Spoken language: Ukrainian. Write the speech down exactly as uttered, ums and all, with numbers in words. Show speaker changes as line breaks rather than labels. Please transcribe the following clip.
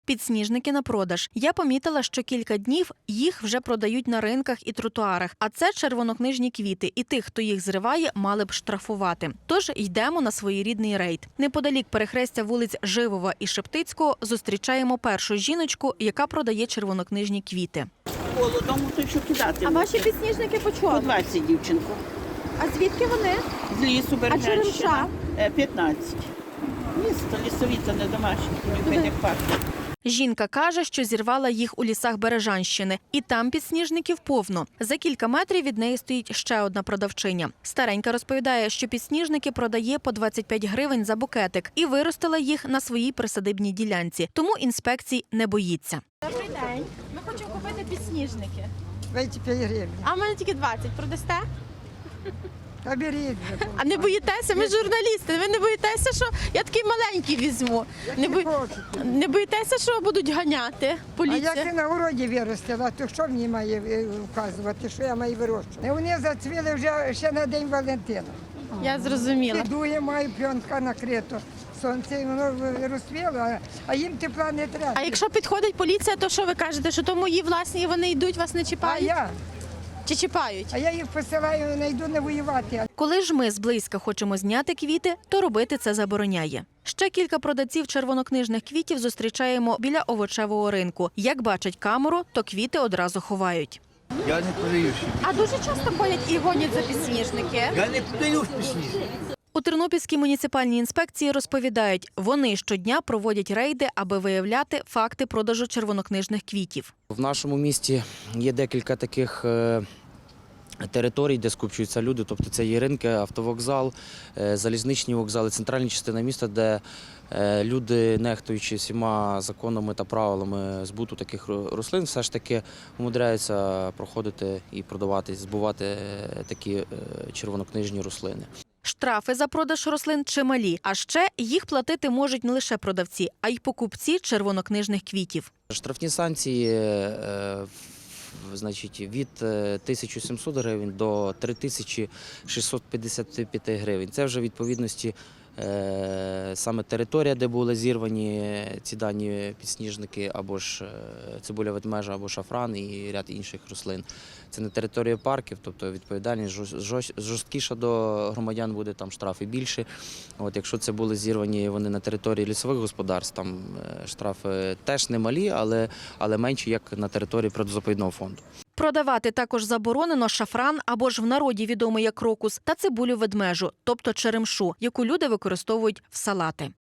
Підсніжники на продаж. Я помітила, що кілька днів їх вже продають на ринках і тротуарах. А це червонокнижні квіти. І тих, хто їх зриває, мали б штрафувати. Тож йдемо на своєрідний рейд. Неподалік перехрестя вулиць Живова і Шептицького зустрічаємо першу жіночку, яка продає червонокнижні квіти.
Холодом, то що кидати.
А ваші підсніжники по
По
чому?
двадцять, дівчинко.
А звідки вони?
З лісу Бережанщина.
черемша?
Е, п'ятнадцять. Місто лісові, це не домашні, не як парк.
Жінка каже, що зірвала їх у лісах Бережанщини. І там підсніжників повно. За кілька метрів від неї стоїть ще одна продавчиня. Старенька розповідає, що підсніжники продає по двадцять п'ять гривень за букетик. І виростила їх на своїй присадибній ділянці. Тому інспекцій не боїться.
Добрий день. Ми хочемо купити підсніжники.
двадцять п'ять гривень.
А в мене тільки двадцять. Продасте?
А беріть вже.
А не боїтеся? Ми журналісти. Ви не боїтеся, що я такий маленький візьму? Не, бої...
Хочете.
не боїтеся, що будуть ганяти?
А як
Поліція?
ти на городі виростила, то що мені має е, вказувати, що я маю вирощувати? Вони зацвіли вже ще на День Валентина.
Я зрозуміла.
Підує, маю пленка накрито. Сонце, і воно розцвіло, а- а їм тепла не треба.
А якщо підходить поліція, то що ви кажете, що то мої власні, і вони йдуть, вас не
А
чіпають?
я?
Чи чіпають?
А я їх посилаю, не йду не воювати.
Коли ж ми зблизька хочемо зняти квіти, то робити це забороняє. Ще кілька продавців червонокнижних квітів зустрічаємо біля овочевого ринку. Як бачать камеру, то квіти одразу ховають.
Я не продаю ще.
А дуже часто ходять і гонять за підсніжники?
Я не продаю пісні.
У Тернопільській муніципальній інспекції розповідають, вони щодня проводять рейди, аби виявляти факти продажу червонокнижних квітів.
В нашому місті є декілька таких е, територій, де скупчуються люди. Тобто це є ринки, автовокзал, е, залізничні вокзали, центральна частина міста, де е, люди, нехтуючи всіма законами та правилами збуту таких рослин, все ж таки умудряються проходити і продавати, збувати е, такі е, червонокнижні рослини.
Штрафи за продаж рослин чималі, а ще їх платити можуть не лише продавці, а й покупці червонокнижних квітів.
Штрафні санкції е, в- значить, від е, тисячі сімсот гривень до три тисячі шістсот п'ятдесят п'ять гривень. Це вже в відповідності е, саме територія, де були зірвані ці дані підсніжники, або ж е, цибуля ведмежа, або шафран і ряд інших рослин. Це не територія парків, тобто відповідальність жорст- жорст- жорсткіша до громадян буде, там штрафи більше. От, якщо це були зірвані вони на території лісових господарств, там е, штрафи теж немалі, але, але менші, як на території природозаповідного фонду.
Продавати також заборонено шафран або ж в народі відомий як крокус та цибулю ведмежу, тобто черемшу, яку люди використовують в салати.